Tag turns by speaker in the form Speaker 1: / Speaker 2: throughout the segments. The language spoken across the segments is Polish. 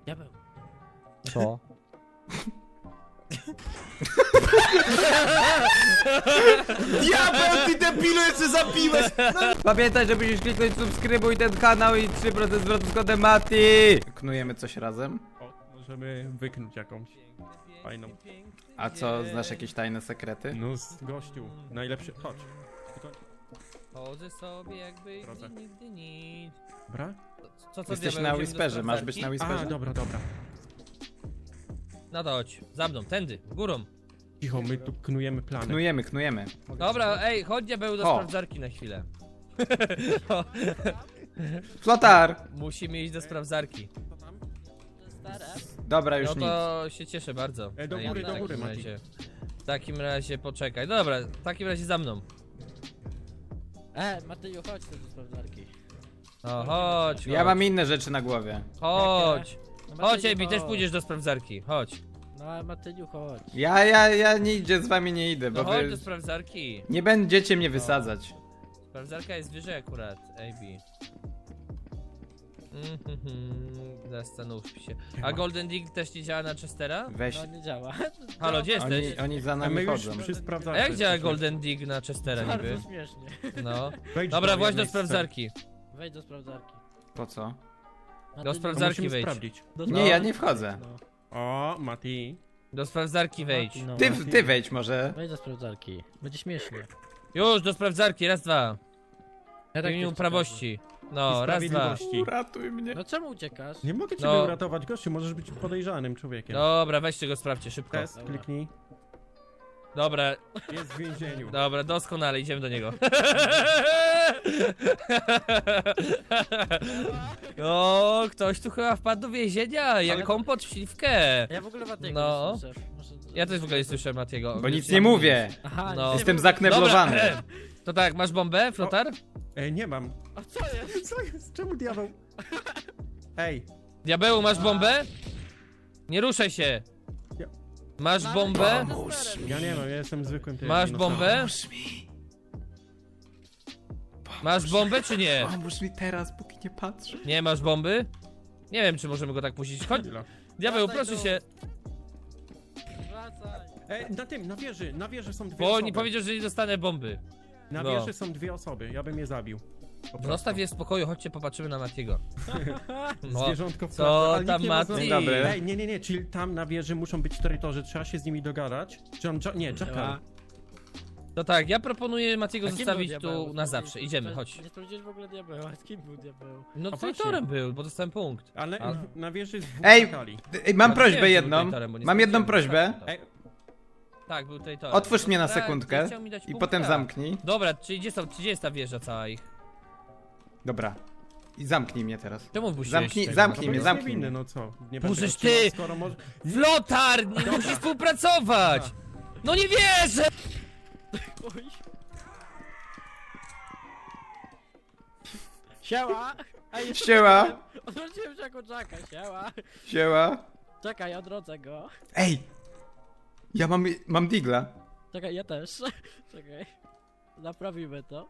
Speaker 1: Diabeł.
Speaker 2: Co?
Speaker 3: Diabeł, ty debilu, jeszcze zabiłeś!
Speaker 2: Pamiętaj, że musisz kliknąć subskrybuj ten kanał i 3% zwrotu z kodem Mati! Knujemy coś razem?
Speaker 3: O, możemy wyknąć jakąś fajną.
Speaker 2: A co, znasz jakieś tajne sekrety?
Speaker 3: No z gościu, najlepszy, chodź. Tylko-
Speaker 1: Chodzę sobie jakby
Speaker 3: Drodze.
Speaker 1: nigdy nic.
Speaker 3: Dobra?
Speaker 1: Co
Speaker 2: Jesteś
Speaker 1: diabeł,
Speaker 2: na
Speaker 1: idziemy do
Speaker 2: Whisperze, masz być na
Speaker 1: sprawdzarki?
Speaker 3: A,
Speaker 2: Whisperze?
Speaker 3: dobra.
Speaker 1: No to chodź, za mną, tędy, górą.
Speaker 3: Cicho, my tu knujemy plany.
Speaker 2: Knujemy.
Speaker 1: Dobra, ej, chodź diabeł do
Speaker 2: O.
Speaker 1: sprawdzarki na chwilę.
Speaker 2: Flotar!
Speaker 1: Musimy iść do sprawdzarki.
Speaker 2: Dobra, już
Speaker 1: No
Speaker 2: nic.
Speaker 1: to się cieszę bardzo.
Speaker 3: Do
Speaker 1: Ej,
Speaker 3: góry,
Speaker 1: w
Speaker 3: do góry,
Speaker 1: takim
Speaker 3: Mati.
Speaker 1: razie. W takim razie poczekaj. Dobra, w takim razie za mną.
Speaker 4: Mateju, chodź tu do sprawdzarki.
Speaker 1: No chodź,
Speaker 2: Ja mam inne rzeczy na głowie.
Speaker 1: chodź.
Speaker 4: No,
Speaker 1: Chodź,
Speaker 4: Mateju,
Speaker 1: Ebi, też
Speaker 4: chodź.
Speaker 1: pójdziesz do sprawdzarki. Chodź.
Speaker 4: No, Mateju, chodź.
Speaker 2: Ja nigdzie z wami nie idę,
Speaker 1: No
Speaker 2: bo
Speaker 1: chodź
Speaker 2: wy
Speaker 1: do sprawdzarki.
Speaker 2: nie będziecie mnie wysadzać.
Speaker 1: Sprawdzarka jest wyżej akurat, Ebi. Zastanów się. A Golden Dig też nie działa na Chestera?
Speaker 2: Weź.
Speaker 4: No, nie działa.
Speaker 1: Halo, gdzie jesteś?
Speaker 2: Oni za
Speaker 3: A my
Speaker 2: nami
Speaker 3: już
Speaker 2: chodzą.
Speaker 3: przy
Speaker 1: A
Speaker 3: sprawdzarce
Speaker 1: jak działa
Speaker 3: jesteśmy.
Speaker 1: Golden Dig na Chestera niby?
Speaker 4: Bardzo śmiesznie.
Speaker 1: No.
Speaker 3: Wejdź
Speaker 1: Dobra, właśnie do
Speaker 3: jednej z
Speaker 1: sprawdzarki.
Speaker 4: Wejdź do sprawdzarki.
Speaker 2: Po co?
Speaker 4: Mateju,
Speaker 1: Do
Speaker 3: sfer.
Speaker 1: sprawdzarki
Speaker 3: Musimy
Speaker 1: wejdź.
Speaker 3: sprawdzić.
Speaker 4: do
Speaker 2: Nie,
Speaker 4: sprawdzarki.
Speaker 2: ja nie wchodzę.
Speaker 4: No.
Speaker 3: O, Mati.
Speaker 1: Do sprawdzarki wejdź.
Speaker 4: No,
Speaker 2: Ty wejdź może.
Speaker 4: Wejdź do sprawdzarki. Będzie śmiesznie.
Speaker 1: Już, do sprawdzarki, raz, dwa.
Speaker 4: Ja
Speaker 1: W imieniu
Speaker 4: cię
Speaker 1: prawości. No,
Speaker 3: I
Speaker 1: raz, dwa.
Speaker 3: sprawiedliwości.
Speaker 2: Uratuj mnie.
Speaker 4: No czemu uciekasz?
Speaker 3: Nie mogę ciebie
Speaker 1: No.
Speaker 3: uratować, gościu, możesz być podejrzanym człowiekiem.
Speaker 1: Dobra, weźcie go, sprawdźcie szybko.
Speaker 3: Test,
Speaker 4: Dobra.
Speaker 3: kliknij.
Speaker 1: Dobra,
Speaker 3: Jest w więzieniu.
Speaker 1: dobra, doskonale, idziemy do niego. O, ktoś tu chyba wpadł do więzienia, jak
Speaker 4: Ale-
Speaker 1: kompot w śliwkę.
Speaker 4: Ja w ogóle Matiego
Speaker 1: No.
Speaker 4: nie słyszę. Może...
Speaker 1: Ja też w ogóle nie słyszę Matiego.
Speaker 2: Bo nic nie mówię.
Speaker 4: Aha,
Speaker 1: No.
Speaker 4: nie
Speaker 2: Jestem
Speaker 4: wiem.
Speaker 2: zakneblowany.
Speaker 1: Dobra, to tak, masz bombę, flotar?
Speaker 3: Nie mam.
Speaker 4: A co jest?
Speaker 3: Co jest? Czemu diabeł? Ej,
Speaker 1: Diabeł, masz bombę? Nie ruszaj się.
Speaker 3: Ja-
Speaker 1: Masz bombę?
Speaker 3: ja nie mam, ja jestem zwykłym tym.
Speaker 1: Masz bombę?
Speaker 2: Pomóż mi.
Speaker 1: Masz bombę czy nie?
Speaker 2: Pomóż mi teraz, póki nie patrzę.
Speaker 1: Nie masz bomby? Nie wiem, czy możemy go tak puścić. Chodź, diabeł,
Speaker 4: Wracaj
Speaker 1: proszę
Speaker 4: tu.
Speaker 1: się.
Speaker 4: Wracaj.
Speaker 3: Na tym, na wieży są dwie
Speaker 1: Bo
Speaker 3: osoby.
Speaker 1: oni powiedział, że nie dostanę bomby.
Speaker 3: Na
Speaker 1: No.
Speaker 3: wieży są dwie osoby, ja bym je zabił. Po prostu.
Speaker 1: Zostaw je w spokoju, chodźcie popatrzymy na Matiego. No,
Speaker 3: Zwierzątko w
Speaker 1: co
Speaker 3: klatce, ale
Speaker 1: tam,
Speaker 3: nikt nie ma
Speaker 1: Mati?
Speaker 3: znowu-
Speaker 2: Dzień dobry.
Speaker 3: Ej, nie, czyli tam na wieży muszą być traitorzy, trzeba się z nimi dogadać. Czy on, nie, Jackal.
Speaker 1: to tak, ja proponuję Matiego
Speaker 4: A kim był
Speaker 1: zostawić
Speaker 4: diabeł?
Speaker 1: tu na zawsze. Idziemy, chodź.
Speaker 4: Nie sprawdziłeś w ogóle diabeła. Z kim był diabeł?
Speaker 1: No
Speaker 3: A
Speaker 1: traitorem był, bo dostałem punkt.
Speaker 3: Ale
Speaker 1: A-
Speaker 3: na wieży jest dwóch
Speaker 2: Ej!
Speaker 3: czekali.
Speaker 2: Mam
Speaker 1: Ja
Speaker 2: prośbę
Speaker 1: wiem, że
Speaker 2: jedną.
Speaker 1: był traitorem, bo nie
Speaker 2: Mam jedną
Speaker 1: sprawdziłem.
Speaker 2: prośbę.
Speaker 3: Ej,
Speaker 1: Tak, był traitorem.
Speaker 2: Otwórz mnie na
Speaker 1: Tak,
Speaker 2: sekundkę
Speaker 1: chciał mi dać
Speaker 2: i
Speaker 1: punkta.
Speaker 2: potem zamknij.
Speaker 1: Dobra, czyli gdzie jest ta wieża cała ich?
Speaker 2: Dobra. I zamknij mnie teraz.
Speaker 1: Czemu wpuściłeś
Speaker 2: Zamknij,
Speaker 1: tego?
Speaker 2: zamknij
Speaker 3: no bo
Speaker 2: mnie,
Speaker 3: jest
Speaker 2: zamknij
Speaker 3: niewinny,
Speaker 2: mnie.
Speaker 3: no co? Nie
Speaker 1: Bożeż
Speaker 3: będę odcinał,
Speaker 1: ty!
Speaker 3: skoro może...
Speaker 1: Flotar, nie musisz współpracować! No nie wierzę!
Speaker 4: Oj. Siema! Ej, jestem
Speaker 2: Siema.
Speaker 4: Jackiem. Odwróciłem się jako Jacka, siema!
Speaker 2: Siema.
Speaker 4: Czekaj, odrodzę go.
Speaker 2: Ej! Ja mam digla.
Speaker 4: Czekaj, ja też. Czekaj. Naprawimy to.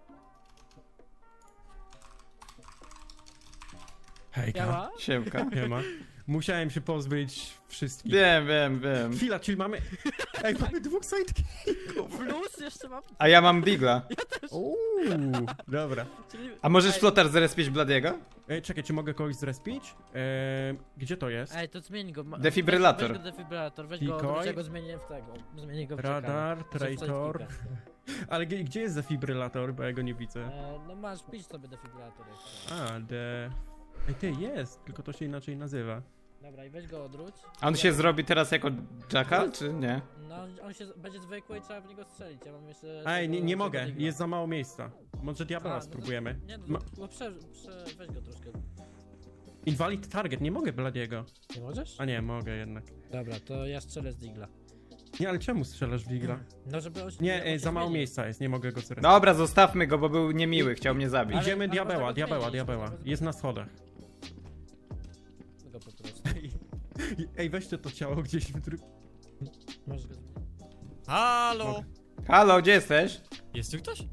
Speaker 3: Hejka,
Speaker 4: Siema!
Speaker 2: Siemka.
Speaker 3: nie ma. Musiałem się pozbyć wszystkich.
Speaker 2: Wiem.
Speaker 3: Chwila, czyli mamy... Ej, mamy dwóch sidekików.
Speaker 4: Plus jeszcze mam...
Speaker 2: A ja mam digla.
Speaker 3: Dobra.
Speaker 4: Czyli...
Speaker 2: A możesz
Speaker 4: Ej,
Speaker 2: flotar zrespić Bladiego?
Speaker 3: Czekaj, czy mogę kogoś zrespić? Gdzie to jest?
Speaker 4: Ej, to zmień go.
Speaker 2: Defibrylator.
Speaker 4: Weź go defibrylator, weź go,
Speaker 3: Decoy?
Speaker 4: ja go zmienię w tego. Zmienię go w
Speaker 3: Radar,
Speaker 4: Jackala.
Speaker 3: traitor. Ale gdzie jest defibrylator, bo ja go nie widzę.
Speaker 4: No masz, pisz sobie defibrylator jeszcze.
Speaker 3: A, Ej, ty, jest, tylko to się inaczej nazywa.
Speaker 4: Dobra, i weź go odwróć.
Speaker 2: A on się zrobi teraz jako Jackal, czy nie?
Speaker 4: No, on się będzie zwykły i trzeba w niego strzelić. Ja mam jeszcze...
Speaker 3: Ej,
Speaker 4: tego-
Speaker 3: nie
Speaker 4: tego
Speaker 3: mogę,
Speaker 4: digla.
Speaker 3: jest za mało miejsca. Może diabeła
Speaker 4: A, no to-
Speaker 3: spróbujemy.
Speaker 4: Nie no,
Speaker 3: Ma-
Speaker 4: no weź go troszkę.
Speaker 3: Invalid target, nie mogę Bladiego.
Speaker 4: Nie możesz?
Speaker 3: A nie, mogę jednak.
Speaker 4: Dobra, to ja strzelę z digla.
Speaker 3: Nie, ale czemu strzelasz w Digla?
Speaker 4: No żeby on się...
Speaker 3: Nie,
Speaker 4: on się
Speaker 3: za mało
Speaker 4: zmieni.
Speaker 3: miejsca jest, nie mogę go zrespić.
Speaker 2: Dobra, zostawmy go, bo był niemiły, chciał mnie zabić.
Speaker 3: Idziemy
Speaker 4: ale
Speaker 3: diabeła,
Speaker 4: można go
Speaker 3: diabeła.
Speaker 4: zmienić,
Speaker 3: Jest na schodach.
Speaker 4: Go po prostu.
Speaker 3: Ej, weźcie to ciało gdzieś w
Speaker 4: Możesz go zmienić.
Speaker 5: Halo!
Speaker 2: Halo, gdzie jesteś?
Speaker 5: Jest tu ktoś?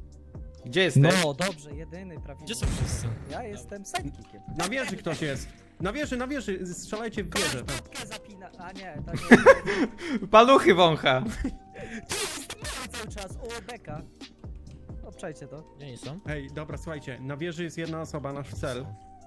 Speaker 2: Gdzie jesteś? No.
Speaker 6: dobrze, jedyny prawidłowy.
Speaker 5: Gdzie są wszyscy?
Speaker 6: Ja jestem sidekickiem.
Speaker 3: Na wieży ktoś jest. Na wieży, strzelajcie w wieżę. Tam.
Speaker 4: Klatkę zapina. A nie, to nie.
Speaker 2: Paluchy wącha.
Speaker 4: Cały czas. O, beka. Obczajcie to. Gdzie oni są?
Speaker 3: Ej, dobra, słuchajcie, na wieży jest jedna osoba, nasz cel.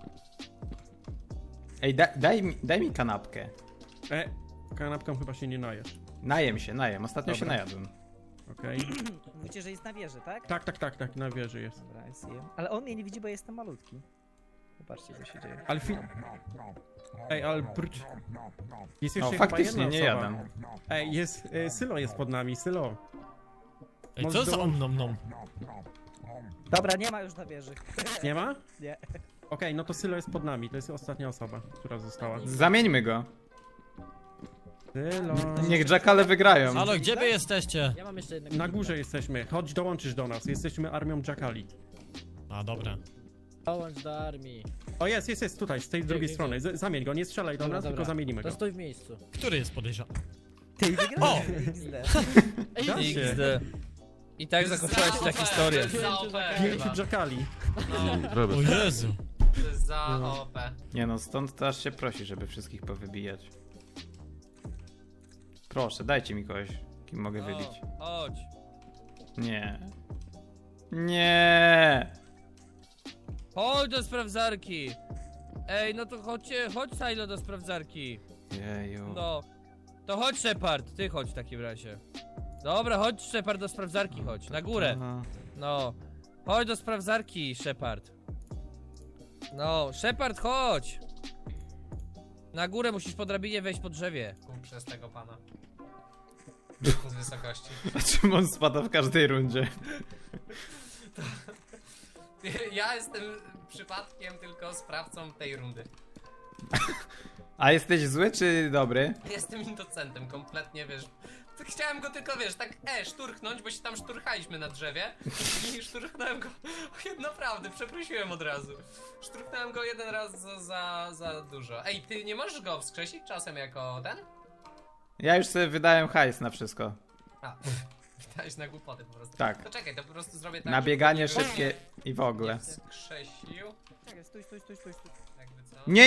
Speaker 2: Ej, daj mi kanapkę.
Speaker 3: Kanapką chyba się nie najesz.
Speaker 2: Najem się. Ostatnio się
Speaker 3: Dobra.
Speaker 2: najadłem.
Speaker 3: Okej.
Speaker 4: Mówicie, że jest na wieży, tak?
Speaker 3: Tak, na wieży jest.
Speaker 4: Dobra, jest jem. Ale on mnie nie widzi, bo jestem malutki. Zobaczcie, co się dzieje.
Speaker 3: Ale Ej, ale jest
Speaker 2: O,
Speaker 3: jeszcze chyba
Speaker 2: faktycznie,
Speaker 3: jedna
Speaker 2: nie
Speaker 3: osoba.
Speaker 2: jadam.
Speaker 3: Ej, jest, Sylo jest pod nami, Sylo.
Speaker 5: Ej,
Speaker 3: Możesz
Speaker 5: co za
Speaker 3: dołączyć.
Speaker 5: omnom?
Speaker 4: Dobra, nie ma już na wieży.
Speaker 3: Nie ma?
Speaker 4: Nie.
Speaker 3: Okej, no to Sylo jest pod nami, to jest ostatnia osoba, która została.
Speaker 2: Zamieńmy go.
Speaker 3: Sylo.
Speaker 2: Niech Jackale wygrają.
Speaker 5: Halo, gdzie wy jesteście?
Speaker 4: Ja mam jeszcze jednego.
Speaker 3: Na górze jesteśmy, chodź dołączysz do nas, jesteśmy armią Jackali.
Speaker 5: A, dobra.
Speaker 4: Dołącz do armii.
Speaker 3: O jest, tutaj, z tej drugiej
Speaker 4: gdzie?
Speaker 3: strony, zamień go, nie strzelaj do
Speaker 4: Dobra,
Speaker 3: nas,
Speaker 4: dobra.
Speaker 3: tylko zamienimy
Speaker 4: To
Speaker 3: go.
Speaker 4: stój w miejscu.
Speaker 5: Który jest podejrzany?
Speaker 4: Ty wygrałeś.
Speaker 3: Da się.
Speaker 1: XD. I tak zakończyła się ta historia.
Speaker 3: Pięciu Jackali.
Speaker 5: O Jezu.
Speaker 6: Za OP.
Speaker 2: Nie no, stąd to aż się prosi, żeby wszystkich powybijać. Proszę, dajcie mi kogoś, kim mogę wybić.
Speaker 1: O, chodź.
Speaker 2: Nie. Nie.
Speaker 1: Chodź do sprawdzarki. Ej, no to chodź Silo do sprawdzarki.
Speaker 2: Jeju.
Speaker 1: No. To chodź Shepard, ty chodź w takim razie. Dobra, chodź Shepard do sprawdzarki, chodź, na górę.
Speaker 2: Aha.
Speaker 1: No. Chodź do sprawdzarki, Shepard. No, Shepard, chodź. Na górę musisz po drabinie wejść po drzewie.
Speaker 6: Przez tego pana. Z wysokości.
Speaker 2: A czym on spada w każdej rundzie?
Speaker 6: Ja jestem przypadkiem tylko sprawcą tej rundy.
Speaker 2: A jesteś zły czy dobry?
Speaker 6: Jestem indocentem, kompletnie, wiesz. Chciałem go tylko, wiesz, tak szturchnąć, bo się tam szturchaliśmy na drzewie i szturchnąłem go, naprawdę, przeprosiłem od razu. Szturchnąłem go jeden raz za dużo. Ej, ty nie możesz go wskrzesić czasem jako ten?
Speaker 2: Ja już sobie wydałem hajs na wszystko.
Speaker 6: A, wydałeś na głupoty po prostu.
Speaker 2: Tak.
Speaker 6: To czekaj, to po prostu zrobię tak,
Speaker 2: Na bieganie
Speaker 6: żeby
Speaker 2: szybkie i w ogóle.
Speaker 6: nie wskrzesił,
Speaker 4: Czekaj, stój.
Speaker 6: jakby co?
Speaker 2: Nie.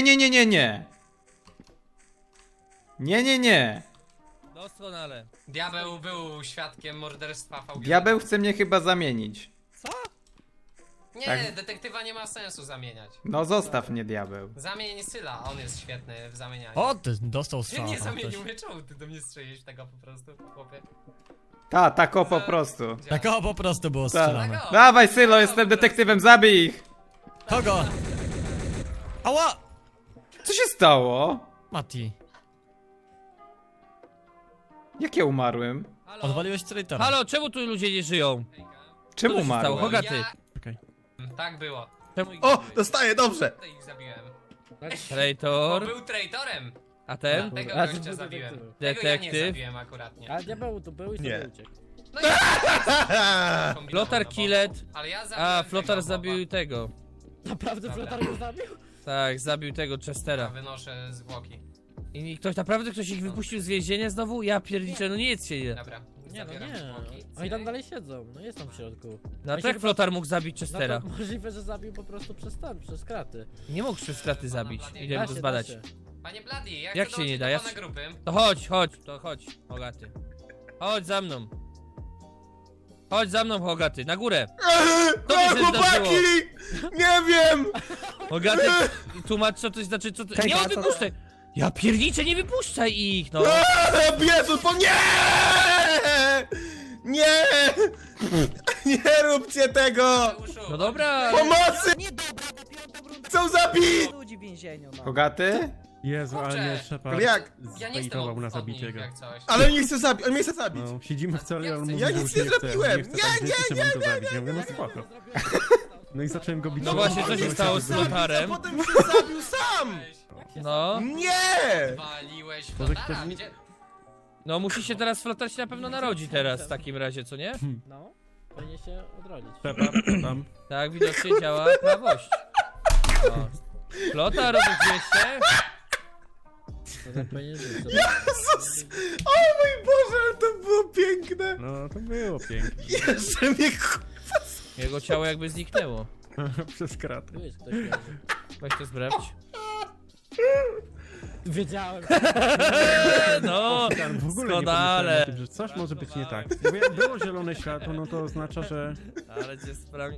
Speaker 2: Nie.
Speaker 1: Doskonale.
Speaker 6: Diabeł był świadkiem morderstwa VG.
Speaker 2: Diabeł chce mnie chyba zamienić.
Speaker 6: Nie,
Speaker 2: Tak.
Speaker 6: detektywa nie ma sensu zamieniać.
Speaker 2: No zostaw mnie, diabeł.
Speaker 6: Zamień Syla, on jest świetny w zamienianiu.
Speaker 5: O, ty dostał
Speaker 6: Ty
Speaker 5: strzała.
Speaker 6: nie
Speaker 5: tam
Speaker 6: zamienił
Speaker 5: ktoś.
Speaker 6: mnie, czemu ty do mnie strzelisz tego po prostu, chłopie?
Speaker 2: Tak o po prostu.
Speaker 5: Tak o, po prostu było
Speaker 2: Tak.
Speaker 5: strzelane.
Speaker 6: Tak o.
Speaker 2: Dawaj, Sylo, jestem detektywem, zabij ich!
Speaker 5: Kogo? Ała!
Speaker 2: Co się stało?
Speaker 5: Mati,
Speaker 2: Jak ja umarłem?
Speaker 1: Halo?
Speaker 5: odwaliłeś traitora.
Speaker 1: Halo, czemu tu ludzie nie żyją?
Speaker 2: Czemu
Speaker 1: Co tu się stało?
Speaker 2: umarłem?
Speaker 1: Hogaty.
Speaker 3: Okej.
Speaker 6: Tak było.
Speaker 1: Czemu ich
Speaker 7: O,
Speaker 1: zabiłeś?
Speaker 7: dostaję, dobrze!
Speaker 6: To ich zabiłem. Bo
Speaker 1: Traitor.
Speaker 6: był traitorem.
Speaker 1: A ten?
Speaker 6: Tego
Speaker 4: A,
Speaker 6: gościa
Speaker 4: ty
Speaker 6: zabiłem.
Speaker 4: detektyw.
Speaker 6: Tego ja nie
Speaker 1: Detektyw.
Speaker 6: zabiłem akuratnie.
Speaker 4: A diabeł tu był i
Speaker 7: Nie.
Speaker 4: sobie uciekł.
Speaker 6: No i kombinował,
Speaker 1: Flotar
Speaker 6: no bo-
Speaker 1: Killet.
Speaker 6: Ale ja zabiłem
Speaker 1: A,
Speaker 6: tego
Speaker 1: Flotar
Speaker 6: boba.
Speaker 1: zabił tego.
Speaker 4: Naprawdę
Speaker 6: Dobra.
Speaker 4: flotar go zabił?
Speaker 1: Tak, zabił tego
Speaker 6: Ja
Speaker 1: Chestera.
Speaker 6: wynoszę zwłoki.
Speaker 1: I ktoś ich wypuścił z więzienia znowu? Ja pierniczę, no nic się nie.
Speaker 6: Dobra,
Speaker 4: Nie, no
Speaker 6: zabieram
Speaker 4: nie.
Speaker 6: zwłoki.
Speaker 4: Oni tam dalej siedzą, no jest tam w środku.
Speaker 1: No
Speaker 4: On
Speaker 1: to jak
Speaker 4: się
Speaker 1: Flotar mógł zabić
Speaker 4: No
Speaker 1: Chestera?
Speaker 4: to możliwe, że zabił po prostu przez kraty.
Speaker 1: Nie mógł przez kraty zabić. Idę
Speaker 4: Da
Speaker 1: go
Speaker 4: się,
Speaker 1: zbadać.
Speaker 4: da się.
Speaker 6: Panie Bloody,
Speaker 1: Jak
Speaker 6: chcę
Speaker 1: się nie
Speaker 6: dołączyć
Speaker 1: da?
Speaker 6: do
Speaker 1: Ja
Speaker 6: pana
Speaker 1: się-
Speaker 6: grupy.
Speaker 1: To chodź, Hogaty. Chodź za mną. Chodź za mną, Hogaty, na górę. To mi się
Speaker 7: Chłopaki! Nie wiem!
Speaker 1: Hogaty, tłumacz co to znaczy, co to... Nie, on wypuszczaj! Ja pierniczę, nie wypuszczaj ich, no!
Speaker 7: Jezu, to nie! Nie! Nie róbcie tego!
Speaker 6: Mateuszu,
Speaker 1: No dobra,
Speaker 7: Pomocy!
Speaker 4: Nie dobra, bo piątą rundę
Speaker 7: Chcą zabić!
Speaker 4: ludzi w więzieniu, no.
Speaker 2: Hogaty?
Speaker 3: Jezu, ale
Speaker 6: Kurczę.
Speaker 3: nie, Shepard
Speaker 7: Jak?
Speaker 6: Ja nie jestem
Speaker 3: zbejtował na
Speaker 6: od
Speaker 3: zabicie
Speaker 6: nich,
Speaker 3: go.
Speaker 6: jak coś.
Speaker 7: Ale on mnie chce zabić, on mnie chce zabić!
Speaker 3: No, siedzimy w celi, ale on mówi,
Speaker 7: Ja
Speaker 3: że
Speaker 7: nic
Speaker 3: już
Speaker 7: nie
Speaker 3: chce,
Speaker 7: zrobiłem.
Speaker 3: Nie, chce, tak, że chcę go zabić. Ja mówię, no spoko. No i zacząłem go bić.
Speaker 1: No właśnie, co się stało z
Speaker 7: A
Speaker 1: Flotarem?
Speaker 7: potem się zabił sam!
Speaker 1: No,
Speaker 7: Nie!
Speaker 6: Waliłeś
Speaker 3: Może
Speaker 6: Flotara,
Speaker 3: ktoś-
Speaker 6: gdzie...
Speaker 1: no musi się teraz Flotar się na pewno narodzi teraz w takim razie, co nie?
Speaker 4: No, powinien się odrodzić.
Speaker 3: Shepard, tam.
Speaker 1: Tak, widocznie działa prawość. No. Flotar, rozumiesz się?
Speaker 4: To tak powinien żyć.
Speaker 7: Jezus! O mój Boże, ale to było piękne!
Speaker 3: No, to było pięknie.
Speaker 7: Jeszcze mnie
Speaker 1: Jego ciało jakby zniknęło.
Speaker 3: Przez kratę.
Speaker 4: Tu jest ktoś leży.
Speaker 1: Weź to sprawdź.
Speaker 4: Wiedziałem.
Speaker 1: No,
Speaker 3: Tam w ogóle nie
Speaker 1: doskonale.
Speaker 3: pomyślałem o tym, że coś może być nie tak. Bo jak było zielone światło, no to oznacza, że...
Speaker 1: Ale cię sprawi...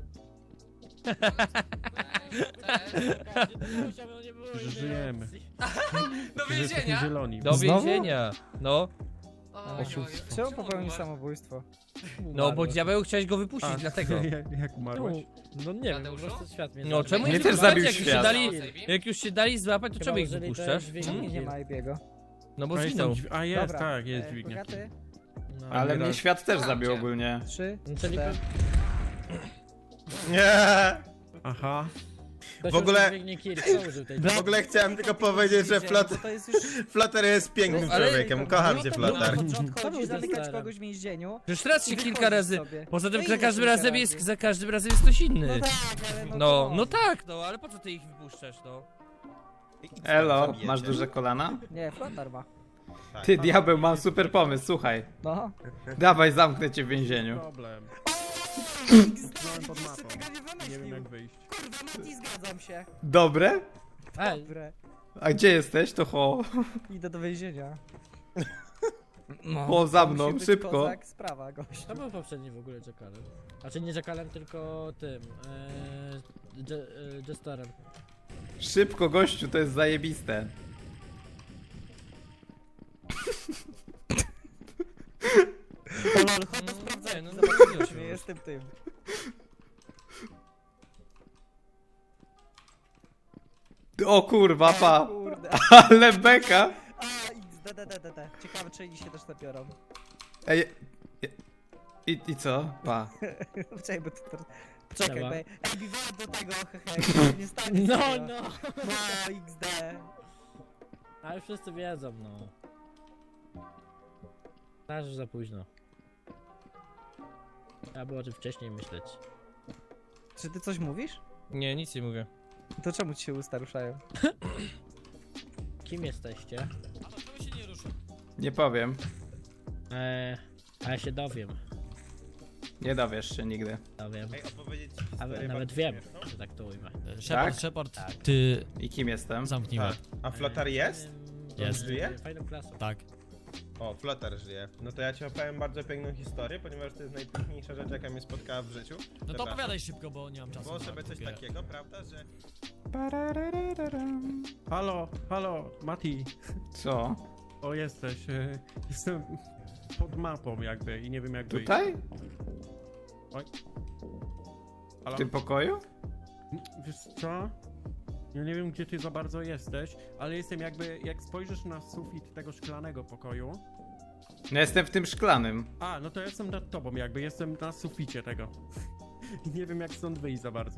Speaker 3: Że żyjemy.
Speaker 6: Do
Speaker 3: Że jesteśmy
Speaker 6: więzienia!
Speaker 3: zieloni.
Speaker 1: Do
Speaker 2: Znowu?
Speaker 1: więzienia. No,
Speaker 6: Oj,
Speaker 4: Czemu popełnił samobójstwo?
Speaker 1: no bo diabeł chciałeś go wypuścić, dlatego.
Speaker 3: Jak umarłeś?
Speaker 4: No nie wiem, po
Speaker 6: Tadeuszu?
Speaker 4: prostu świat mnie
Speaker 1: No czemu
Speaker 2: Mnie
Speaker 1: nie
Speaker 2: też
Speaker 1: wypuszczać,
Speaker 2: zabił
Speaker 1: jak już się
Speaker 2: świat.
Speaker 1: dali, jak już się dali złapać, to czemu ich
Speaker 4: użyli
Speaker 1: wypuszczasz?
Speaker 4: te dźwignie.
Speaker 1: Hmm?
Speaker 4: Nie ma Ibiego.
Speaker 1: No bo
Speaker 3: A,
Speaker 1: zginął.
Speaker 3: a jest,
Speaker 4: Dobra,
Speaker 3: tak, jest dźwignia.
Speaker 4: Bogaty?
Speaker 1: No.
Speaker 2: Ale mnie świat też zabił ogólnie.
Speaker 4: 3,
Speaker 1: Czyli
Speaker 4: 4.
Speaker 7: Nie.
Speaker 3: Aha.
Speaker 7: W ogóle-
Speaker 4: No.
Speaker 7: W ogóle chciałem tylko powiedzieć, że
Speaker 4: To jest już...
Speaker 7: Flutter jest pięknym
Speaker 1: Ale-
Speaker 7: człowiekiem. Kocham cię,
Speaker 4: Na
Speaker 7: Flutter.
Speaker 4: początku
Speaker 1: To
Speaker 4: chodzi
Speaker 1: był
Speaker 4: zamykać
Speaker 1: testerem.
Speaker 4: kogoś w więzieniu.
Speaker 1: Już teraz
Speaker 4: i
Speaker 1: się kilka
Speaker 4: wychodzisz
Speaker 1: razy.
Speaker 4: sobie.
Speaker 1: Poza tym
Speaker 4: No
Speaker 1: za
Speaker 4: ile
Speaker 1: każdym
Speaker 4: kilka
Speaker 1: razem
Speaker 4: razy?
Speaker 1: jest, za każdym razem jest ktoś inny.
Speaker 4: No tak, ale
Speaker 1: No tak, no ale po co ty ich wypuszczasz, no?
Speaker 2: Elo, masz duże kolana?
Speaker 4: Nie, Flotar ma.
Speaker 2: Ty, diabeł, mam super pomysł, słuchaj.
Speaker 4: No.
Speaker 2: Dawaj, zamknę cię w więzieniu.
Speaker 3: Problem. Znałem pod mapą. Nie wiem jak wyjść.
Speaker 4: Kurwa, Mati, zgadzam się.
Speaker 2: Dobre?
Speaker 4: Dobre.
Speaker 2: A gdzie jesteś? To ho.
Speaker 4: Idę do więzienia.
Speaker 2: Ho, za
Speaker 4: Musi
Speaker 2: mną,
Speaker 4: być
Speaker 2: szybko.
Speaker 4: kozak, sprawa, gość.
Speaker 8: To był poprzedni w ogóle Jackalem. Znaczy nie Jackalem, tylko tym. Jesterem.
Speaker 2: Szybko, gościu, to jest zajebiste.
Speaker 4: Chodź, sprawdzaj,
Speaker 1: no
Speaker 4: zobaczymy, czy nie jestem tym.
Speaker 2: O kurwa, pa.
Speaker 4: Kurde.
Speaker 2: Ale beka.
Speaker 4: A, XDDDD. Ciekawe, czy inni się też nabiorą.
Speaker 2: Ej. I co? Pa.
Speaker 4: Poczekaj, bo to... Poczekaj,
Speaker 8: Dobra.
Speaker 4: bo... Ej, biwałem do tego, hehe, nie stanie
Speaker 8: No,
Speaker 4: z tego.
Speaker 8: no!
Speaker 4: No, XD.
Speaker 8: A już wszyscy wiedzą, no. Aż już za późno. Trzeba było o tym wcześniej myśleć.
Speaker 4: Czy ty coś mówisz?
Speaker 1: Nie, nic nie mówię.
Speaker 4: To czemu ci się usta ruszają?
Speaker 8: Kim jesteście?
Speaker 2: Nie powiem.
Speaker 8: A ja się dowiem.
Speaker 2: Nie dowiesz się nigdy.
Speaker 8: Dowiem.
Speaker 7: Ej, opowiedzieć ci
Speaker 8: A
Speaker 7: historię
Speaker 8: nawet
Speaker 7: bardzo
Speaker 8: wiem,
Speaker 7: śmieszną?
Speaker 8: że tak to ujmę.
Speaker 5: Shepard,
Speaker 2: Tak?
Speaker 5: Shepard,
Speaker 8: Tak.
Speaker 5: ty
Speaker 2: I kim jestem?
Speaker 5: zamknij
Speaker 7: Tak.
Speaker 5: łeb.
Speaker 7: A Flutter jest?
Speaker 5: Jest.
Speaker 7: Żyje?
Speaker 8: Fajną klasą.
Speaker 5: Tak.
Speaker 7: O, Flutter żyje. No to ja ci opowiem bardzo piękną historię, ponieważ to jest najpiękniejsza rzecz, jaka mnie spotkała w życiu.
Speaker 5: No to
Speaker 7: Przepraszam.
Speaker 5: opowiadaj szybko, bo nie mam czasu.
Speaker 7: Było
Speaker 5: na
Speaker 7: sobie coś
Speaker 5: kupię.
Speaker 7: takiego, prawda, że...
Speaker 3: Halo, halo, Mati.
Speaker 2: Co?
Speaker 3: O, jesteś. Jestem pod mapą jakby i nie wiem jak wyjść.
Speaker 2: Tutaj? W
Speaker 3: Halo?
Speaker 2: tym pokoju?
Speaker 3: Wiesz co? Ja nie wiem gdzie ty za bardzo jesteś, ale jestem jakby, jak spojrzysz na sufit tego szklanego pokoju.
Speaker 2: No jestem w tym szklanym.
Speaker 3: A, no to ja jestem nad tobą jakby, jestem na suficie tego. I nie wiem jak stąd wyjść za bardzo.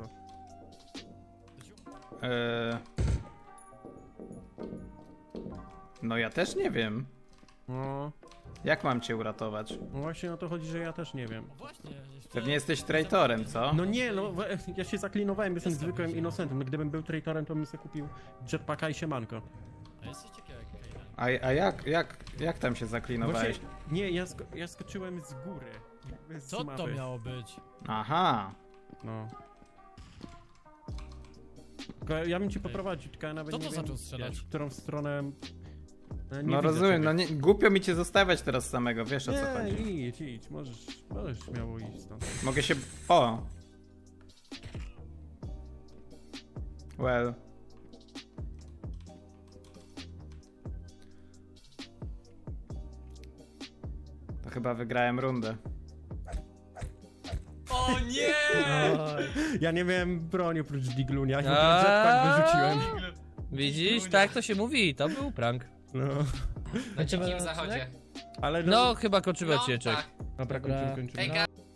Speaker 2: No ja też nie wiem.
Speaker 3: No,
Speaker 2: Jak mam cię uratować?
Speaker 3: no właśnie o to chodzi, że ja też nie wiem.
Speaker 5: No właśnie.
Speaker 2: Pewnie jesteś traitorem, co?
Speaker 3: No nie, no ja się zaklinowałem, jestem zwykłym innocentem. Gdybym był traitorem, to bym sobie kupił jetpacka i siemanko.
Speaker 5: A jesteś ciekawy jak
Speaker 2: Jak tam się zaklinowałeś?
Speaker 3: Właśnie, nie, ja skoczyłem z góry. jakby z
Speaker 5: Co to
Speaker 3: mapy.
Speaker 5: miało być?
Speaker 2: Aha.
Speaker 3: No. Tylko ja bym ci poprowadził, tylko ja nawet
Speaker 5: Kto
Speaker 3: nie
Speaker 5: to
Speaker 3: wiem,
Speaker 5: zaczął strzelać?
Speaker 3: wiesz, w którą stronę... Nie
Speaker 2: No
Speaker 3: widzę
Speaker 2: rozumiem, no
Speaker 3: czegoś.
Speaker 2: nie, głupio mi cię zostawiać teraz samego, wiesz o co
Speaker 3: Nie,
Speaker 2: chodzi.
Speaker 3: idź, możesz śmiało iść stąd.
Speaker 2: Mogę się... O! Well. To chyba wygrałem rundę.
Speaker 6: O nie!
Speaker 3: Ja nie miałem broni oprócz diglunia, ja
Speaker 1: A.
Speaker 3: jetpack wyrzuciłem.
Speaker 1: Widzisz, tak to się mówi, to był prank.
Speaker 3: No.
Speaker 6: Na dzikim zachodzie.
Speaker 3: Ale
Speaker 1: No, chyba kończymy
Speaker 6: No,
Speaker 1: odcinek.
Speaker 6: tak.
Speaker 3: Dobra,
Speaker 8: Dobra.
Speaker 3: kończymy.
Speaker 6: Ej,